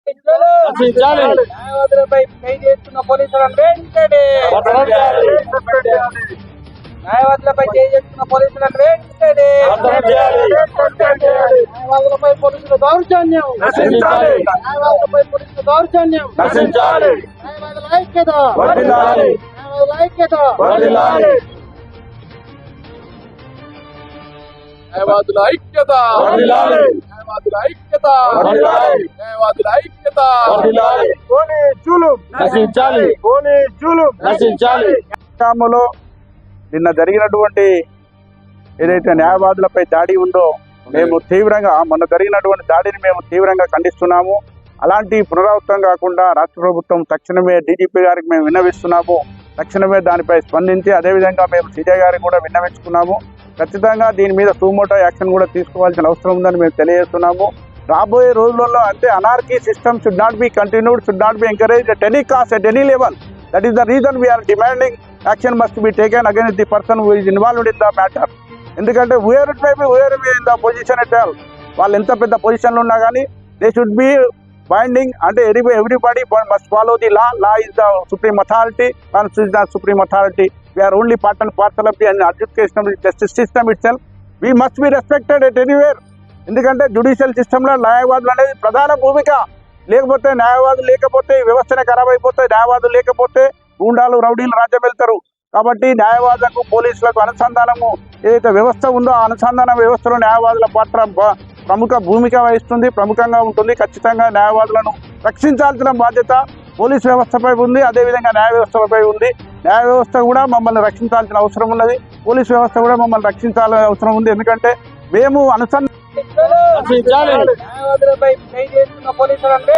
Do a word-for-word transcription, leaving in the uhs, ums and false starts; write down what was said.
న్యాయవాదులపై పై చేస్తున్న పోలీసులను వెంటనే న్యాయవాదులపై చేస్తున్న పోలీసులను వెంటనే న్యాయవాదులపై పోలీసుల దౌర్జన్యం న్యాయవాదులపై పోలీసుల దౌర్జన్యం న్యాయవాదుల ఐక్యత న్యాయవాదుల ఐక్యత న్యాయవాదుల ఐక్యత న్యాయవాదుల ఐక్యత న్యాయవాదుల ఐక్యత పోలీస్ జులుం నశించాలి పోలీస్ జులుం నశించాలి. గ్రామంలో నిన్న జరిగినటువంటి ఏదైతే న్యాయవాదులపై దాడి ఉందో మేము తీవ్రంగా మొన్న జరిగినటువంటి దాడిని మేము తీవ్రంగా ఖండిస్తున్నాము. అలాంటి పునరావృతం కాకుండా రాష్ట్ర ప్రభుత్వం తక్షణమే డీజీపీ గారికి మేము విన్నవిస్తున్నాము. తక్షణమే దానిపై స్పందించి అదేవిధంగా మేము సీజే గారికి కూడా విన్నవించుకున్నాము. ఖచ్చితంగా దీని మీద సుమోటో యాక్షన్ కూడా తీసుకోవాల్సిన అవసరం ఉందని మేము తెలియజేస్తున్నాము. రాబోయే రోజులలో అంటే anarchy system should not be continued, should not be encourage at any cost, at any level. That is the reason we are demanding action must be taken against the person who is involved in the matter. ఎందుకంటే where it may be where in the position at all, వాళ్ళు ఎంత పెద్ద పొజిషన్లో ఉన్నా కానీ they should be binding. అంటే every everybody must follow the law. Law is the supreme authority, constitution the supreme authority. We are only part and parcel of the education justice system itself. We must be respected at anywhere. ఎందుకంటే judicial సిస్టంలో న్యాయవాదులు అనేది ప్రధాన భూమిక. లేకపోతే న్యాయవాదులు లేకపోతే వ్యవస్థనే ఖరాబ్ అయిపోతాయి. న్యాయవాదులు లేకపోతే గూండాలు రౌడీలు రాజ్యం వెళ్తారు. కాబట్టి న్యాయవాదులకు పోలీసులకు అనుసంధానము ఏదైతే వ్యవస్థ ఉందో ఆ అనుసంధాన వ్యవస్థలో న్యాయవాదుల పాత్ర ప్రముఖ భూమిక వహిస్తుంది, ప్రముఖంగా ఉంటుంది. ఖచ్చితంగా న్యాయవాదులను రక్షించాల్సిన బాధ్యత పోలీస్ వ్యవస్థపై ఉంది, అదేవిధంగా న్యాయ వ్యవస్థపై ఉంది. న్యాయ వ్యవస్థ కూడా మమ్మల్ని రక్షించాల్సిన అవసరం ఉన్నది, పోలీస్ వ్యవస్థ కూడా మమ్మల్ని రక్షించాల్సిన అవసరం ఉంది. ఎందుకంటే మేము అనుసంధానం న్యాయవాదులపై పై చేస్తున్న పోలీసులను